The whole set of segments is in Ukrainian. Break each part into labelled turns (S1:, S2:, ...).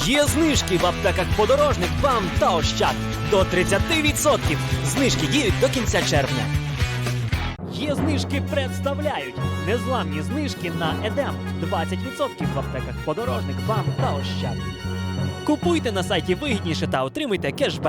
S1: Є знижки в аптеках «Подорожник», «БАМ» та «Ощад». До 30%. Знижки діють до кінця червня. Є знижки представляють. Незламні знижки на «Едем». 20% в аптеках «Подорожник», «БАМ» та «Ощад». Купуйте на сайті вигідніше та отримуйте кешбек.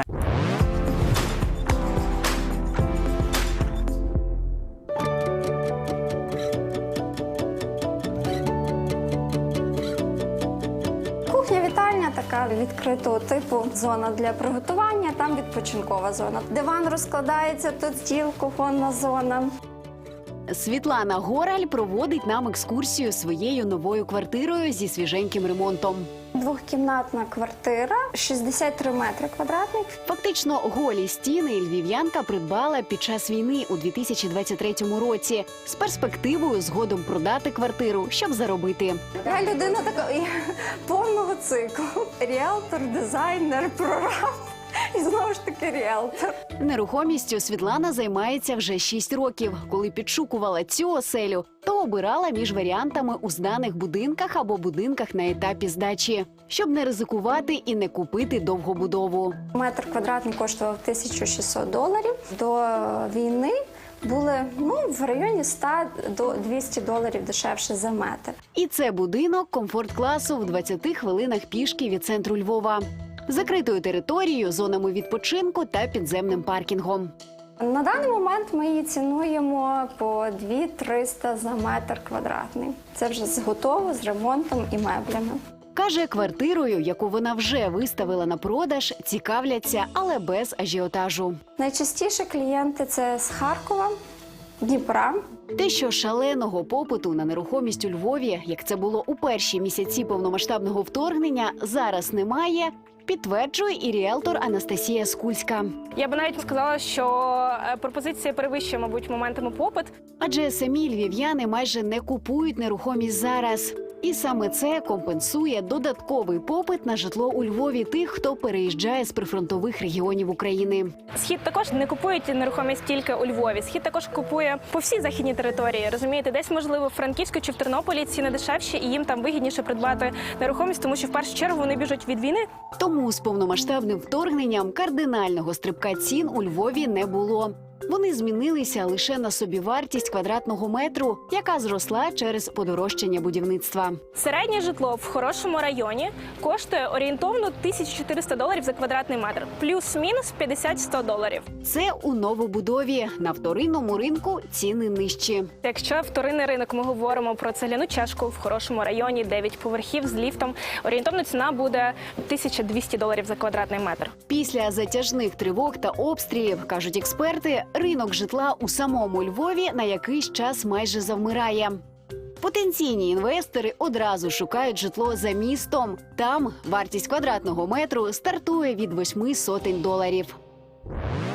S2: Кухня-вітальня така відкритого типу, зона для приготування, там відпочинкова зона. Диван розкладається, тут стіл, кухонна зона.
S3: Світлана Гораль проводить нам екскурсію своєю новою квартирою зі свіженьким ремонтом.
S2: Двохкімнатна квартира, 63 метри квадратних.
S3: Фактично голі стіни львів'янка придбала під час війни у 2023 році з перспективою згодом продати квартиру, щоб заробити.
S2: Я людина така повного циклу. Ріелтор, дизайнер, прораб і знову ж таки ріелтор.
S3: Нерухомістю Світлана займається вже 6 років. Коли підшукувала цю оселю, то обирала між варіантами у зданих будинках або будинках на етапі здачі, щоб не ризикувати і не купити довгобудову.
S2: Метр квадратний коштував $1600. До війни були в районі $100 до $200 дешевше за метр.
S3: І це будинок комфорт-класу в 20 хвилинах пішки від центру Львова. Закритою територією, зонами відпочинку та підземним паркінгом.
S2: На даний момент ми її цінуємо по 2300 за метр квадратний. Це вже готово з ремонтом і меблями.
S3: Каже, квартирою, яку вона вже виставила на продаж, цікавляться, але без ажіотажу.
S2: Найчастіше клієнти – це з Харкова, Дніпра.
S3: Те, що шаленого попиту на нерухомість у Львові, як це було у перші місяці повномасштабного вторгнення, зараз немає, підтверджує і ріелтор Анастасія Скульська.
S4: Я би навіть сказала, що пропозиція перевищує, мабуть, моментами попит.
S3: Адже самі львів'яни майже не купують нерухомість зараз. І саме це компенсує додатковий попит на житло у Львові тих, хто переїжджає з прифронтових регіонів України.
S4: Схід також не купують нерухомість тільки у Львові. Схід також купує по всій західній території. Розумієте, десь, можливо, в Франківську чи в Тернополі ціни дешевші, і їм там вигідніше придбати нерухомість, тому що в першу чергу вони біжуть від війни.
S3: Тому з повномасштабним вторгненням кардинального стрибка цін у Львові не було. Вони змінилися лише на собівартість квадратного метру, яка зросла через подорожчання будівництва.
S4: Середнє житло в хорошому районі коштує орієнтовно $1400 за квадратний метр, плюс-мінус $50-100.
S3: Це у новобудові. На вторинному ринку ціни нижчі.
S4: Якщо вторинний ринок ми говоримо про цегляну чашку в хорошому районі, 9 поверхів з ліфтом, орієнтовна ціна буде $1200 за квадратний метр.
S3: Після затяжних тривог та обстрілів, кажуть експерти, ринок житла у самому Львові на якийсь час майже завмирає. Потенційні інвестори одразу шукають житло за містом. Там вартість квадратного метру стартує від $800.